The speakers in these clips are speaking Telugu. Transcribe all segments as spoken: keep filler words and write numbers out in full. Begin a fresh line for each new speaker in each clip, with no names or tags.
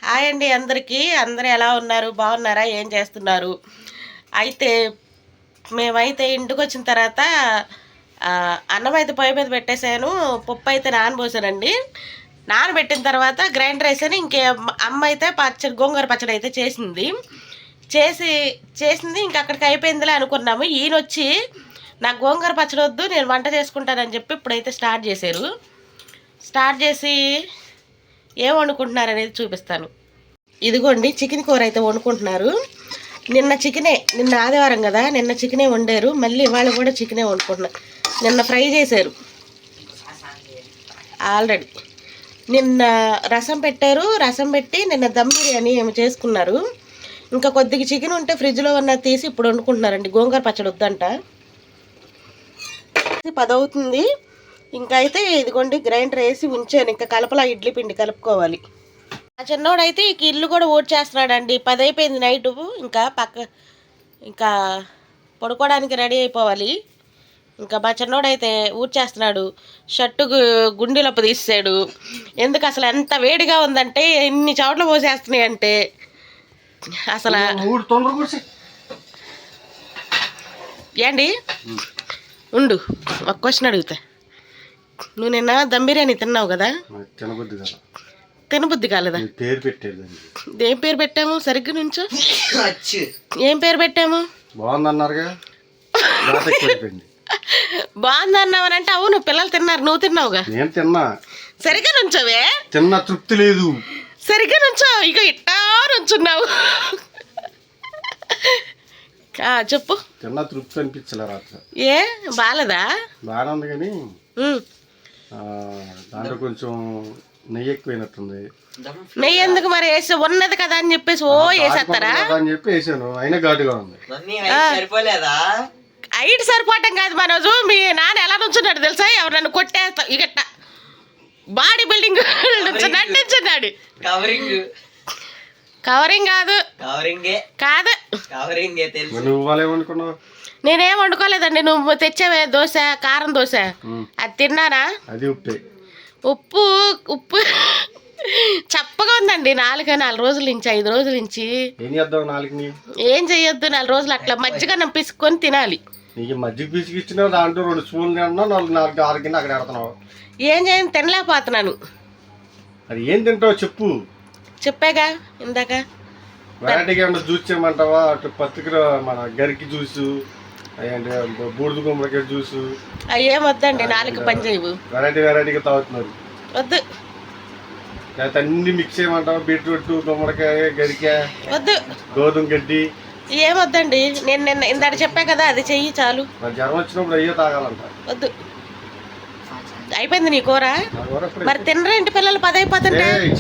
హాయ్ అండి అందరికీ. అందరూ ఎలా ఉన్నారు? బాగున్నారా? ఏం చేస్తున్నారు? అయితే మేమైతే ఇంటికి వచ్చిన తర్వాత అన్నం అయితే పొయ్యి మీద పెట్టేశాను. పప్పు అయితే నానబోసానండి. నానబెట్టిన తర్వాత గ్రైండర్ వేసాను. ఇంకే అమ్మ అయితే పచ్చడి గోంగూర పచ్చడి అయితే చేసింది చేసి చేసింది ఇంకా అక్కడికి అయిపోయిందిలే అనుకున్నాము. ఈయన వచ్చి నాకు గోంగూర పచ్చడి వద్దు, నేను వంట చేసుకుంటానని చెప్పి ఇప్పుడైతే స్టార్ట్ చేశారు. స్టార్ట్ చేసి ఏం వండుకుంటున్నారు అనేది చూపిస్తాను. ఇదిగోండి చికెన్ కూర అయితే వండుకుంటున్నారు. నిన్న చికెనే, నిన్న ఆదివారం కదా, నిన్న చికెనే వండారు. మళ్ళీ ఇవాళ కూడా చికెనే వండుకుంటున్నారు. నిన్న ఫ్రై చేశారు ఆల్రెడీ. నిన్న రసం పెట్టారు. రసం పెట్టి నిన్న దమ్ బిర్యానీ ఏమి చేసుకున్నారు. ఇంకా కొద్దిగా చికెన్ ఉంటే ఫ్రిడ్జ్లో ఉన్న తీసి ఇప్పుడు వండుకుంటున్నారండి. గోంగూర పచ్చడి వద్దంట. పదవుతుంది ఇంకా. అయితే ఇదిగోండి గ్రైండర్ వేసి ఉంచాను. ఇంకా కలపలా ఇడ్లీ పిండి కలుపుకోవాలి. ఆ చిన్నోడైతే ఇక ఇల్లు కూడా ఓట్ చేస్తున్నాడండి. పది అయిపోయింది నైటు. ఇంకా పక్క ఇంకా పడుకోవడానికి రెడీ అయిపోవాలి. ఇంకా మా చిన్నోడైతే ఊడ్చేస్తున్నాడు. షర్టు గుండెలప్పు తీసాడు. ఎందుకు అసలు ఎంత వేడిగా ఉందంటే ఇన్ని చోట్ల పోసేస్తున్నాయి అంటే అసలు. ఏండి ఉండు, ఒక క్వశ్చన్ అడుగుతా. నువ్వు నిన్న దమ్ బిర్యానీ తిన్నావు కదా, తినబుద్ధి కాలేదా? ఏం పేరు పెట్టాము? సరిగ్గా నుంచో. ఏం పేరు పెట్టాము? బాగుంది అన్నావనంటే అవును పిల్లలు తిన్నారు, నువ్వు తిన్నావుగా. నేను తిన్నా. సరిగ్గా నుంచోవే. తిన్నా, తృప్తి లేదు. సరిగ్గా నుంచో. ఇక ఇట్టా నుంచున్నావు. చెప్పు. తిన్నా, తృప్తి అనిపించలే రాత్రి. ఏ బాలేదా? బాగానే ఉంది కానీ దాంట్లో కొంచెం నెయ్యి ఎక్కువైనట్టుంది. నెయ్యి ఎందుకు మరి? వేసి ఉన్నది కదా అని చెప్పేసి ఓ వేసేస్తారా అని చెప్పి వేసాను. అయినా ఘాటుగా ఉంది. హైట్ సరిపోవటం కాదు మనోజు. మీ నాన్న ఎలా నుంచున్నాడు తెలుసా? ఎవరు నన్ను కొట్టేస్తా ఇగట్ట బాడీ బిల్డింగ్ నుంచున్నాడు. కవరింగ్ కవరింగ్ కాదు కాదు. నేనేం వండుకోలేదండి. నువ్వు తెచ్చావే దోశ, కారం దోశ, అది తిన్నానా? అది ఉప్పు ఉప్పు ఉప్పు చప్పగా ఉందండి. నాలుగు నాలుగు రోజుల నుంచి ఐదు రోజుల నుంచి ఏం చెయ్యొద్దు. నాలుగు రోజులు అట్లా మజ్జిగ పిసుకొని తినాలి. మజ్జిగ పిసికిచ్చిన దాంట్లో రెండు స్పూన్లు నాలుగు ఆరు కింద అక్కడ పెడుతున్నావు. ఏం చేయను, తినలేకపోతున్నాను. అది ఏం తింటావు చెప్పు. చెప్పాగా ఇందాక. వెరైటీగా ఏమన్నా జ్యూస్ చేయమంటావా? అటు పత్రిక మన గరికి జ్యూసు, అయ్యండి బూడిద గుమ్మడికాయ జ్యూసు, అవి ఏం వద్దండి. నాలుగు పని చేయవు. వెరైటీ వెరైటీగా తాగుతున్నారు. వద్దు. లేకపోతే అన్ని మిక్స్ చేయమంటావా? బీట్రూట్, గుమ్మడికాయ, గరికాయ, వద్దు. గోధుమ గడ్డి ఏమొద్దండి. నేను నిన్న ఇందాక చెప్పా కదా, అది చెయ్యి చాలు. జ్వరం వచ్చినప్పుడు అయ్యో తాగాలంట. వద్దు. అయిపోయింది నీ కూర. మరి తినరేంటి పిల్లలు? పది అయిపోతుంటే.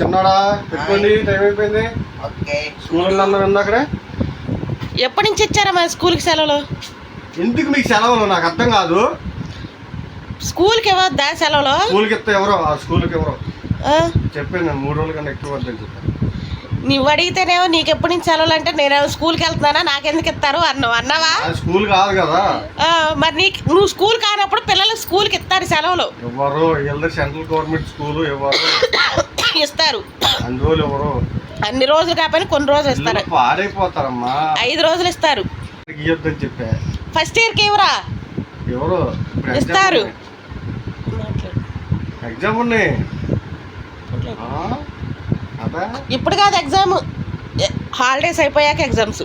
ఎప్పటి నుంచి ఇచ్చారా మా స్కూల్కి సెలవులు? ఎందుకు మీకు సెలవులు? నాకు అర్థం కాదు. స్కూల్కి ఇవ్వద్దా సెలవులు? స్కూల్కి ఇస్తే ఎవరో స్కూల్కి ఎవరో చెప్పాను. మూడు రోజుల కన్నా ఎక్కువ వద్దని చెప్పాను. నువ్వు అడిగితేనేమో నీకు ఎప్పటి నుంచి సెలవులు అంటే నేను స్కూల్కి వెళ్తున్నానా, నాకెందుకు ఇస్తారు అన్నావు. అన్నావా? స్కూల్ కాదు కదా మరి. నీకు నువ్వు స్కూల్ కానప్పుడు పిల్లలకు స్కూల్కి ఇస్తారు సెలవులు. ఎవరు? సెంట్రల్ గవర్నమెంట్ స్కూల్ ఎవరు ఇస్తారు? అన్ని రోజులు ఎవరు? అన్ని రోజులు కాకపోయినా కొన్ని రోజులు ఇస్తారు. పాడైపోతారమ్మా. ఐదు రోజులు ఇస్తారు. ఇవ్వద్దని చెప్పా. ఫస్ట్ ఇయర్కి ఎవరా ఎవరు ఇస్తారు? ఎగ్జామ్ ఉన్నాయి. ఇప్పుడు కాదు ఎగ్జామ్, హాలిడేస్ అయిపోయాక ఎగ్జామ్స్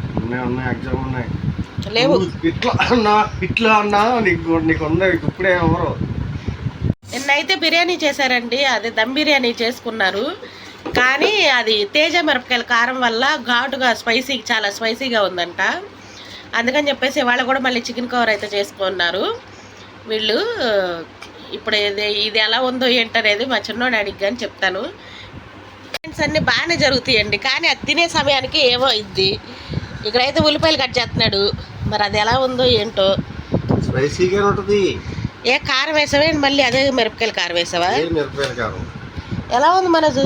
లేవు. ఇట్లా అన్నా ఇట్లా అన్నా నీకు నీకు ఇప్పుడే ఎవరు. నిన్నైతే బిర్యానీ చేశారండి. అది దమ్ బిర్యానీ చేసుకున్నారు. కానీ అది తేజ మిరపకాయల కారం వల్ల ఘాటుగా స్పైసీ, చాలా స్పైసీగా ఉందంట. అందుకని చెప్పేసి ఇవాళ కూడా మళ్ళీ చికెన్ కవర్ అయితే చేసుకున్నారు వీళ్ళు. ఇప్పుడు ఇది ఇది ఎలా ఉందో ఏంటనేది మా చిన్నోడు అడిగి కానీ చెప్తాను. అన్నీ బాగానే జరుగుతాయండి, కానీ అది తినే సమయానికి ఏమో ఇద్ది. ఇక్కడైతే ఉల్లిపాయలు కట్ చేస్తున్నాడు. మరి అది ఎలా ఉందో ఏంటో. స్పైసీగా ఉంటుంది. ఏ కారం వేసావేంటి? మళ్ళీ అదే మిరపకాయలు కారం వేసావా? ఎలా ఉంది మనసు?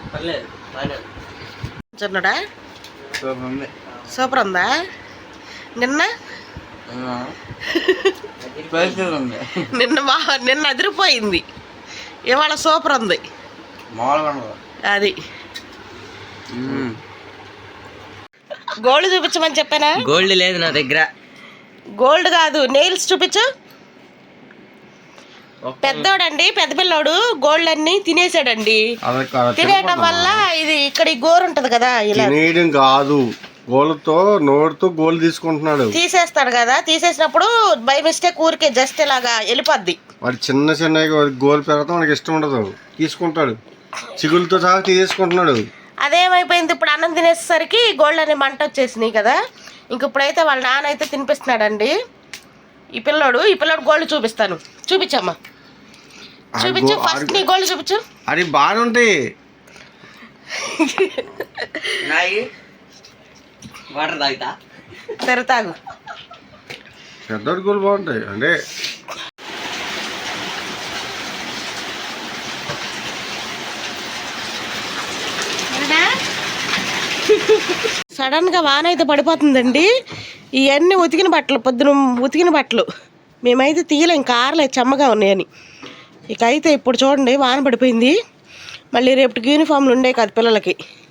చిన్నడా సూపర్ ఉందా? నిన్న నిన్న మా నిన్న అదిరిపోయింది. ఇవాళ సూపర్ ఉంది. అది గోల్డ్ చూపించమని చెప్పానా?
గోల్డ్ లేదు నా దగ్గర.
గోల్డ్ కాదు, నెయిల్స్ చూపించు. పెద్దోడండి, పెద్ద పిల్లోడు గోల్డ్ అన్ని తినేసాడండి. తినేయడం వల్ల ఇది ఇక్కడ ఈ గోరు ఉంటది కదా, ఇలా
కాదు గోళ్ళతో నోడుతో గోల్ తీసుకుంటున్నాడు.
తీసేస్తాడు కదా, తీసేసినప్పుడు బై మిస్టేక్ ఊరికే జస్ట్ ఇలాగా వెళ్ళిపోద్ది.
వాడు చిన్న చిన్న గోల్ పెరగడం వాడికి ఇష్టం ఉండదు, తీసుకుంటాడు. చిగులతో సహా తీసేసుకుంటున్నాడు.
అదేమైపోయింది, ఇప్పుడు అన్నం తినేసరికి గోల్డ్ అనే మంట వచ్చేసినాయి కదా. ఇంక ఇప్పుడైతే వాళ్ళ నాన్న అయితే తినిపిస్తున్నాడండి ఈ పిల్లోడు. ఈ పిల్లోడు గోల్డ్ చూపిస్తాను, చూపించమ్మా, చూపించు. ఫస్ట్ నీ గోల్డ్ చూపించు.
అది బాగా ఉంటాయి.
వాటర్ తాగుతా,
సరే తాగు.
పెద్దోడి గోల్ బాగుంటాయి అంటే.
సడన్ గా వాన అయితే పడిపోతుందండి. ఇవన్నీ ఉతికిన బట్టలు, పొద్దున ఉతికిన బట్టలు మేమైతే తీయలేం, కారలేదు చెమ్మగా ఉన్నాయని. ఇక అయితే ఇప్పుడు చూడండి వాన పడిపోయింది. మళ్ళీ రేపటికి యూనిఫామ్లు ఉండే కదా పిల్లలకి.